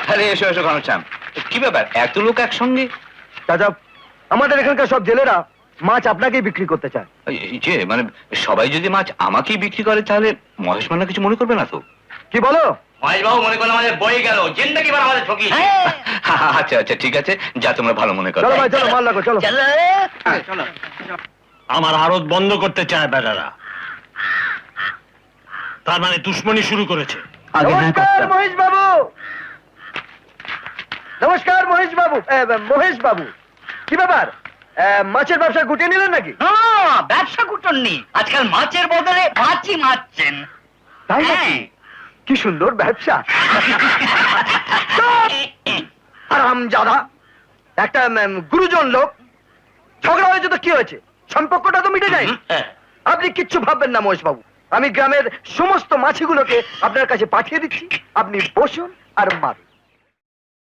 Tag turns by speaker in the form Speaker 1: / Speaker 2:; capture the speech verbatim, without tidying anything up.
Speaker 1: আরে এসো এসো ঘনশ্যাম, কি ব্যাপার এত লোক একসঙ্গে?
Speaker 2: চাচা, আমাদের এখানকার সব জেলেরা মাছ আপনাকেই বিক্রি করতে চায়।
Speaker 1: এই যে মানে সবাই যদি মাছ আমাকেই বিক্রি করে তাহলে মহেশ মান্না কিছু মনে করবে না তো?
Speaker 2: কি বলো?
Speaker 3: মহেশবাবু মনে করলো আমাদের বই গেল, জিন্দগি বার আমাদের ঠকি।
Speaker 1: আচ্ছা আচ্ছা ঠিক আছে, যা তোমরা ভালো মনে করো।
Speaker 2: চলো ভাই চলো, মাল লাগো, চলো।
Speaker 4: আমার আড়ত বন্ধ করতে চায় বেটারা, তার মানে দুশ্মনী শুরু করেছে।
Speaker 2: নমস্কার মহেশ বাবু। নমস্কার মহেশ বাবু। মহেশ বাবু, কি ব্যাপার, মাছের ব্যবসা গুটিয়ে নিলেন নাকি?
Speaker 3: ব্যবসা কুটন নি, আজকাল মাছের বদলে মাছই মারছেন।
Speaker 2: তাই নাকি? কি সুন্দর ব্যবসা। হারামজাদা, একটা উম, গুরুজন লোক, ঝগড়া হয়েছে তো কি হয়েছে, সম্পর্কটা তো মিটে যায়। আপনি কিচ্ছু ভাববেন না মহেশ বাবু, আমি গ্রামের সমস্ত মাছিগুলোকে আপনার কাছে পাঠিয়ে দিচ্ছি, আপনি বসুন আর মারুন।